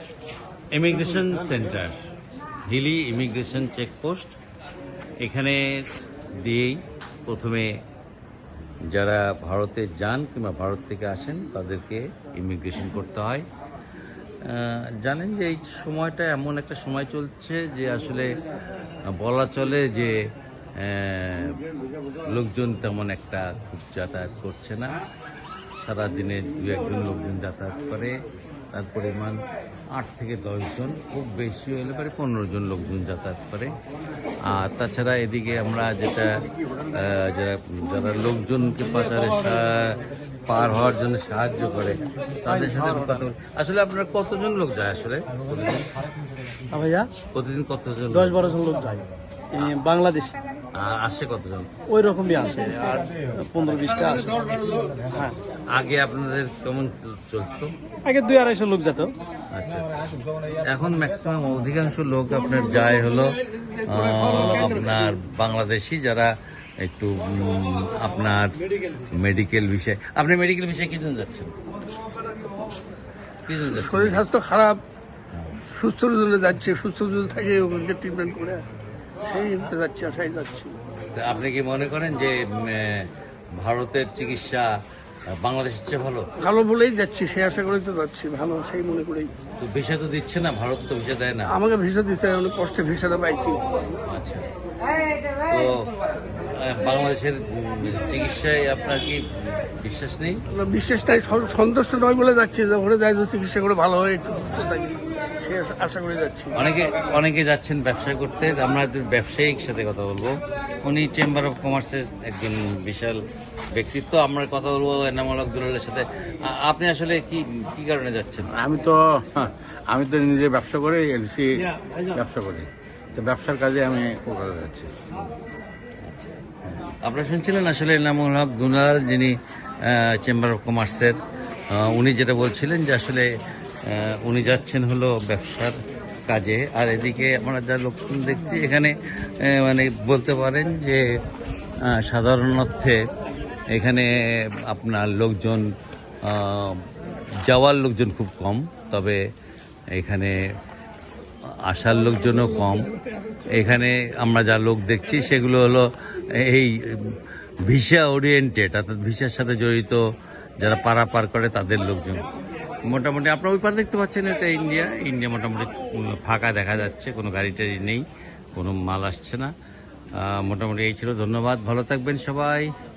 Immigration center, Hili immigration checkpost. এখানে দিয়েই প্রথমে যারা ভারতে যান কিংবা ভারত থেকে আসেন তাদেরকে ইমিগ্রেশন করতে হয়। জানেন যে এই সময়টা এমন একটা সময় চলছে যে আসলে বলা চলে যে লোকজন তেমন একটা খুব যাতায়াত করছে না। সারাদিনে 2-1 জন লোকজন যাতায়াত করে, তার পরিমাণ 8 থেকে 10 জন, খুব বেশি হলে পরে 15 জন লোকজন যাতায়াত করে। আর তাছাড়া এদিকে আমরা যেটা যারা লোকজনকে পাচারে পার হওয়ার জন্য সাহায্য করে তাদের সাথে কথা আসলে আপনারা কতজন লোক যায় আসলে ভাইয়া? প্রতিদিন কতজন? 10-12 জন লোক যায় বাংলাদেশ। আসে কতজন? ওই রকমই আসে, আর 15-20টা আসে। হ্যাঁ, আগে আপনাদের কেমন চলতো? আগে 2-250 লোক যেত। আচ্ছা, এখন ম্যাক্সিমাম অধিকাংশ লোক আপনার যায় হলো আপনার বাংলাদেশি, যারা একটু আপনার মেডিকেল বিষয়ে। আপনি মেডিকেল বিষয়ে কি জন্য যাচ্ছেন? শরীর স্বাস্থ্য খারাপ, সুস্থ জন্য যাচ্ছে, সুস্থ যদি থাকে ওকে ট্রিটমেন্ট করে সেই যাচ্ছি, আশাই যাচ্ছি। আপনি কি মনে করেন যে ভারতের চিকিৎসা বাংলাদেশের চেয়ে ভালো? ভালো বলেই যাচ্ছি, সেই আশা করেই তো যাচ্ছি, ভালো সেই মনে করেই। তো ভিসা তো দিচ্ছে না, ভারত তো ভিসা দেয় না। আমাকে ভিসা দিচ্ছে, অনেক কষ্টে ভিসাটা পাইছি। আচ্ছা, তো বাংলাদেশের চিকিৎসায় আপনার কি বিশ্বাস নেই? বিশ্বাস নাই, সন্তুষ্ট নয় বলে যাচ্ছি, ওখানে যাই চিকিৎসা করে ভালো হয়, একটু সুস্থ থাকি, সে আশা করে যাচ্ছি। অনেকে যাচ্ছেন ব্যবসা করতে। আমরা ব্যবসায়িক সাথে কথা বলবো, উনি চেম্বার অফ কমার্সের একজন বিশাল ব্যক্তিত্ব। আমরা কথা বলবো এনামুল হক দুলালের সাথে। আপনি আসলে কি কারণে যাচ্ছেন? আমি তো নিজে ব্যবসা করি, এলসি ব্যবসা করি, তো ব্যবসার কাজে আমি কলকাতা যাচ্ছি। আপনারা শুনছিলেন আসলে এনামুল হক দুলাল, যিনি চেম্বার অফ কমার্সের, উনি যেটা বলছিলেন যে আসলে উনি যাচ্ছেন হলো ব্যবসার কাজে। আর এদিকে আমরা যা লোকজন দেখছি এখানে মানে বলতে পারেন যে সাধারণ অর্থে এখানে আপনার লোকজন, যাওয়ার লোকজন খুব কম, তবে এখানে আসার লোকজনও কম। এখানে আমরা যা লোক দেখছি সেগুলো হলো এই ভিসা ওরিয়েন্টেড, অর্থাৎ ভিসার সাথে জড়িত যারা পারাপার করে তাদের লোকজন। মোটামুটি আপনারা ওই পার দেখতে পাচ্ছেন, এটা ইন্ডিয়া মোটামুটি ফাঁকা দেখা যাচ্ছে, কোনো গাড়ি টাড়ি নেই, কোনো মাল আসছে না। মোটামুটি এই ছিল। ধন্যবাদ, ভালো থাকবেন সবাই।